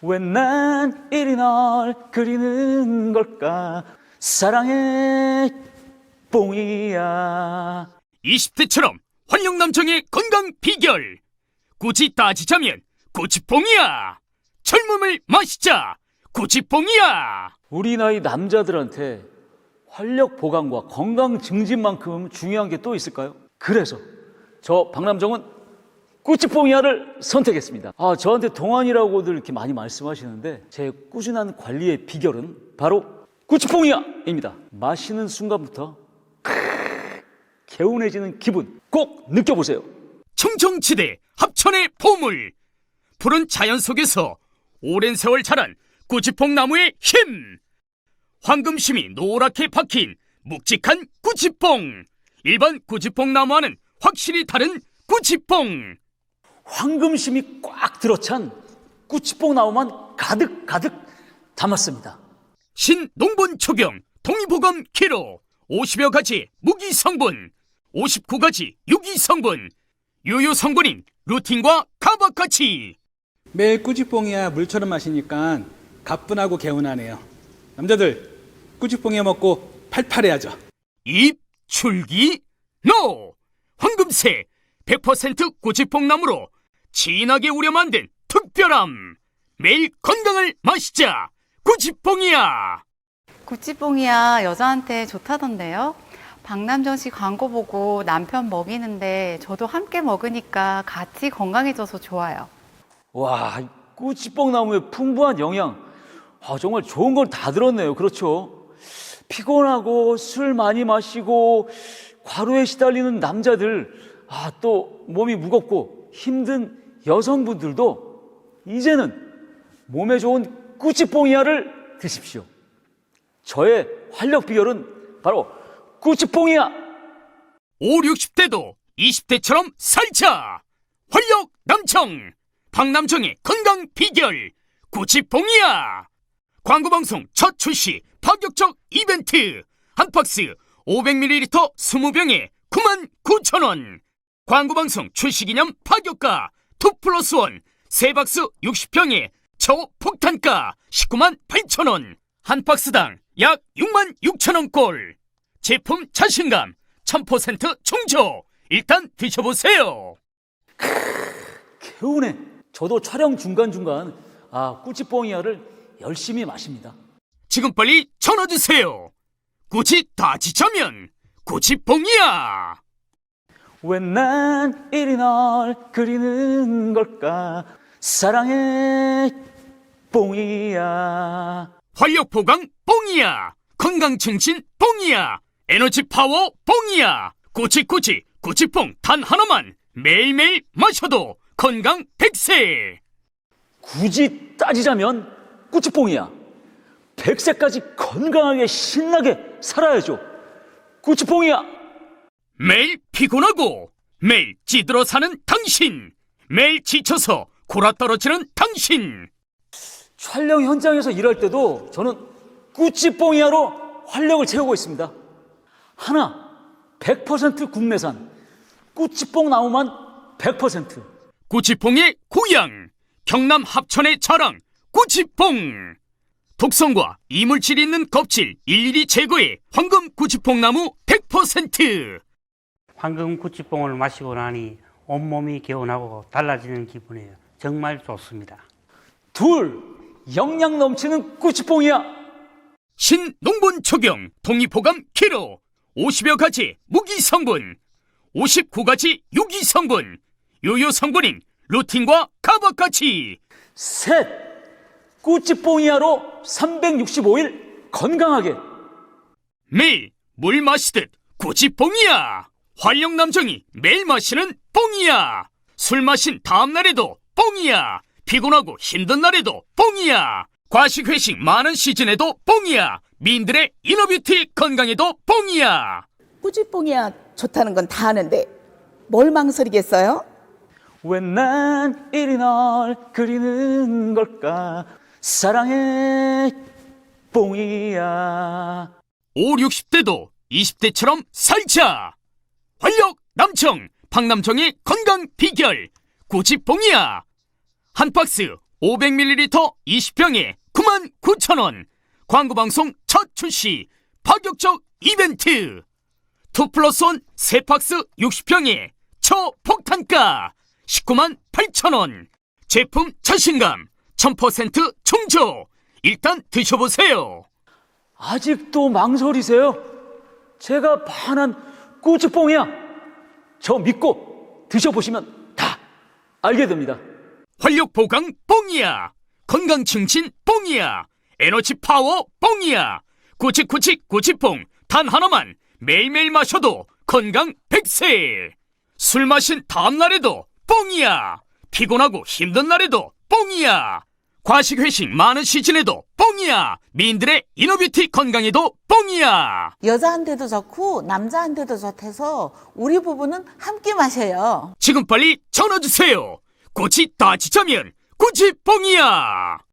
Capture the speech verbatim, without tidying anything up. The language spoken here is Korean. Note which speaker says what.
Speaker 1: 왜 난 이리 널 그리는 걸까? 사랑의 뽕이야.
Speaker 2: 이십 대처럼 활력남성의 건강 비결. 굳이 따지자면 꾸치뽕이야. 젊음을 마시자. 꾸치뽕이야.
Speaker 1: 우리 나이 남자들한테 활력 보강과 건강 증진만큼 중요한 게 또 있을까요? 그래서 저 박남정은 꾸치뽕이야를 선택했습니다. 아, 저한테 동안이라고들 이렇게 많이 말씀하시는데 제 꾸준한 관리의 비결은 바로 꾸치뽕이야입니다. 마시는 순간부터 크으, 개운해지는 기분 꼭 느껴보세요.
Speaker 2: 청정지대 합천의 보물. 푸른 자연 속에서 오랜 세월 자란 꾸치뽕 나무의 힘. 황금심이 노랗게 박힌 묵직한 꾸치뽕. 일반 꾸치뽕 나무와는 확실히 다른 꾸치뽕.
Speaker 1: 황금심이 꽉 들어찬 꾸치뽕 나무만 가득 가득 담았습니다.
Speaker 2: 신농본 초경 동의보감 키로 오십여 가지 무기 성분, 오십구 가지 유기 성분, 유효 성분인 루틴과 카바카치.
Speaker 3: 매일 꾸치뽕이야 물처럼 마시니까 가뿐하고 개운하네요. 남자들 꾸치뽕이야 먹고 팔팔해야죠.
Speaker 2: 입, 출기, 노! 황금새 백 퍼센트 꾸치뽕 나무로 진하게 우려 만든 특별함. 매일 건강을 마시자. 꾸치뽕이야.
Speaker 4: 꾸치뽕이야 여자한테 좋다던데요. 박남정 씨 광고 보고 남편 먹이는데 저도 함께 먹으니까 같이 건강해져서 좋아요.
Speaker 1: 와, 이 꾸치뽕 나무의 풍부한 영양, 아, 정말 좋은 걸 다 들었네요. 그렇죠? 피곤하고 술 많이 마시고 과로에 시달리는 남자들, 아, 또 몸이 무겁고 힘든 여성분들도 이제는 몸에 좋은 꾸치뽕이야를 드십시오. 저의 활력 비결은 바로 꾸치뽕이야.
Speaker 2: 오, 육십 대도 이십 대처럼 살자. 활력 남청. 박남정의 건강 비결. 꾸치뽕이야. 광고방송 첫 출시 파격적 이벤트. 한 박스 오백 밀리리터 이십 병에 구만 구천 원. 광고방송 출시기념 파격가 이 플러스 일 세 박스 육십 병에 초폭탄가 십구만 팔천 원. 한 박스당 약 육만 육천 원꼴. 제품 자신감 천 퍼센트 충족. 일단 드셔보세요.
Speaker 1: 개운해. 저도 촬영 중간중간 아, 꾸치뽕이야를 열심히 마십니다.
Speaker 2: 지금 빨리 전화주세요. 굳이 따지자면 꾸치뽕이야.
Speaker 1: 왜 난 이리 널 그리는 걸까? 사랑의 뽕이야.
Speaker 2: 활력 보강 뽕이야. 건강 증진 뽕이야. 에너지 파워 뽕이야. 꾸치꾸치 꾸치뽕 단 하나만 매일매일 마셔도 건강 백세.
Speaker 1: 굳이 따지자면 꾸치뽕이야. 백세까지 건강하게 신나게 살아야죠. 꾸치뽕이야.
Speaker 2: 매일 피곤하고 매일 찌들어 사는 당신. 매일 지쳐서 골아떨어지는 당신.
Speaker 1: 촬영 현장에서 일할 때도 저는 꾸치뽕이야로 활력을 채우고 있습니다. 하나 백 퍼센트 국내산 꾸치뽕 나무만 백 퍼센트.
Speaker 2: 꾸치뽕의 고향 경남 합천의 자랑 꾸치뽕. 독성과 이물질이 있는 껍질 일일이 제거해 황금 꾸치뽕 나무 백 퍼센트.
Speaker 5: 황금 꾸치뽕을 마시고 나니 온몸이 개운하고 달라지는 기분이에요. 정말 좋습니다.
Speaker 1: 둘, 영양 넘치는 꾸치뽕이야.
Speaker 2: 신농본 초경 동의보감 키로 오십여 가지 무기 성분, 오십구 가지 유기 성분, 유효 성분인 루틴과 카바카치.
Speaker 1: 셋, 꾸치뽕이야로 삼백육십오 일 건강하게.
Speaker 2: 매일 물 마시듯 꾸치뽕이야. 활력남정이 매일 마시는 뽕이야. 술 마신 다음날에도 뽕이야. 피곤하고 힘든 날에도 뽕이야. 과식 회식 많은 시즌에도 뽕이야. 미인들의 이너뷰티 건강에도 뽕이야.
Speaker 6: 꾸치뽕이야 좋다는 건 다 아는데 뭘 망설이겠어요?
Speaker 1: 왜 난 이리 널 그리는 걸까? 사랑의 뽕이야.
Speaker 2: 오, 육십 대도 이십 대처럼 살자. 활력 남청 박남정의 건강 비결 꾸치뽕이야. 한 박스 오백 밀리리터 이십 병에 구만 구천 원. 광고방송 첫 출시 파격적 이벤트. 투 플러스 원 세 박스 육십 병에 초폭탄가 십구만 팔천 원. 제품 자신감 천 퍼센트 충족. 일단 드셔보세요.
Speaker 1: 아직도 망설이세요? 제가 반한 꾸치뽕이야. 저 믿고 드셔보시면 다 알게 됩니다.
Speaker 2: 활력 보강 뽕이야. 건강 증진 뽕이야. 에너지 파워 뽕이야. 꾸치꾸치 꾸치뽕 단 하나만 매일매일 마셔도 건강 백세. 술 마신 다음날에도 뽕이야. 피곤하고 힘든 날에도 뽕이야. 과식 회식 많은 시즌에도 뽕이야. 미인들의 이너뷰티 건강에도 뽕이야.
Speaker 7: 여자한테도 좋고 남자한테도 좋대서 우리 부부는 함께 마셔요.
Speaker 2: 지금 빨리 전화주세요. 꽃이 다 지자면 꾸치뽕이야.